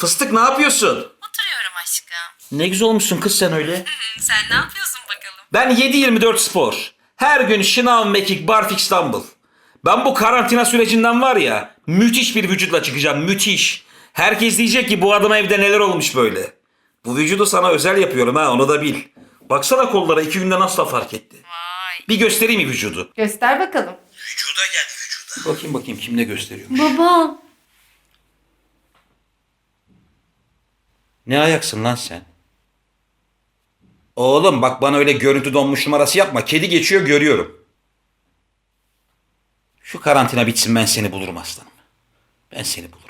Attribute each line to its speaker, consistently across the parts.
Speaker 1: Fıstık ne yapıyorsun?
Speaker 2: Oturuyorum aşkım.
Speaker 1: Ne güzel olmuşsun kız sen öyle.
Speaker 2: Sen ne yapıyorsun bakalım?
Speaker 1: Ben 7-24 spor. Her gün şınav, mekik, barfiks, dumbbell. Ben bu karantina sürecinden var ya müthiş bir vücutla çıkacağım, müthiş. Herkes diyecek ki bu adama evde neler olmuş böyle. Bu vücudu sana özel yapıyorum ha, onu da bil. Baksana kollara 2 günde nasıl fark etti.
Speaker 2: Vay.
Speaker 1: Bir göstereyim mi vücudu?
Speaker 3: Göster bakalım.
Speaker 1: Vücuda gel vücuda. Bakayım kim ne gösteriyormuş.
Speaker 3: Baba.
Speaker 1: Ne ayaksın lan sen? Oğlum bak bana öyle görüntü donmuş numarası yapma. Kedi geçiyor görüyorum. Şu karantina bitsin ben seni bulurum aslanım. Ben seni bulurum.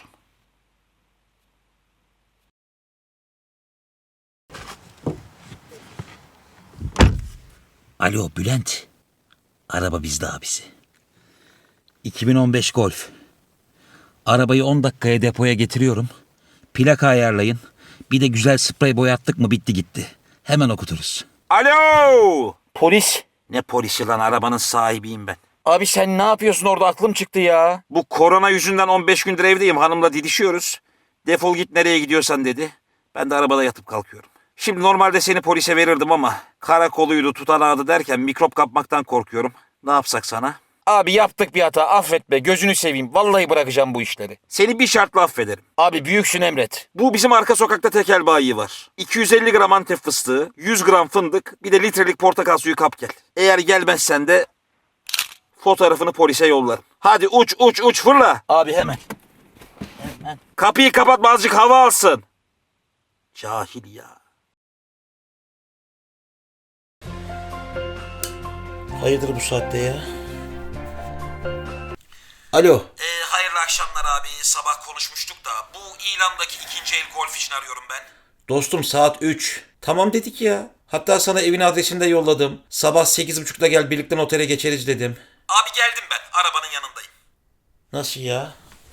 Speaker 1: Alo Bülent. Araba bizde abisi. 2015 Golf. Arabayı 10 dakikaya depoya getiriyorum. Plaka ayarlayın. Bir de güzel sprey boyattık mı bitti gitti. Hemen okuturuz. Alo! Polis. Ne polisi lan, arabanın sahibiyim ben. Abi sen ne yapıyorsun orada, aklım çıktı ya. Bu korona yüzünden 15 gündür evdeyim, hanımla didişiyoruz. Defol git nereye gidiyorsan dedi. Ben de arabada yatıp kalkıyorum. Şimdi normalde seni polise verirdim ama karakoluydu tutanağıydı derken mikrop kapmaktan korkuyorum. Ne yapsak sana?
Speaker 4: Abi yaptık bir hata, affet be, gözünü seveyim. Vallahi bırakacağım bu işleri.
Speaker 1: Seni bir şartla affederim.
Speaker 4: Abi büyüksün, emret.
Speaker 1: Bu bizim arka sokakta tekel bayi var. 250 gram Antep fıstığı, 100 gram fındık, bir de litrelik portakal suyu kap gel. Eğer gelmezsen de fotoğrafını polise yollarım. Hadi uç fırla.
Speaker 4: Abi hemen.
Speaker 1: Kapıyı kapatma, azıcık hava alsın. Cahil ya. Hayırdır bu saatte ya? Alo. Hayırlı akşamlar abi. Sabah konuşmuştuk da bu ilandaki ikinci el golf için arıyorum ben. Dostum saat 3. Tamam dedik ya. Hatta sana evin adresini de yolladım. Sabah 8.30'da gel birlikte otele geçeriz dedim. Abi geldim ben. Arabanın yanındayım. Nasıl ya?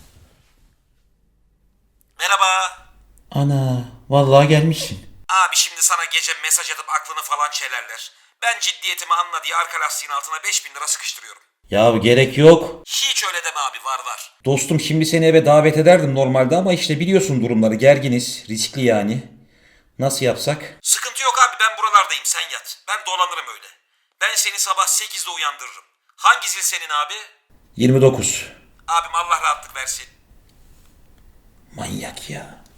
Speaker 1: Merhaba. Ana, vallahi gelmişsin. Abi şimdi sana gece mesaj atıp aklını falan çelerler. Ben ciddiyetimi anla diye arka lastiğin altına 5.000 lira sıkıştırıyorum. Ya gerek yok. Hiç öyle deme abi, var. Dostum şimdi seni eve davet ederdim normalde ama işte biliyorsun durumları, gerginiz, riskli yani. Nasıl yapsak? Sıkıntı yok abi, ben buralardayım, sen yat. Ben dolanırım öyle. Ben seni sabah 8'de uyandırırım. Hangi zil senin abi? 29. Abim Allah rahatlık versin. Manyak ya.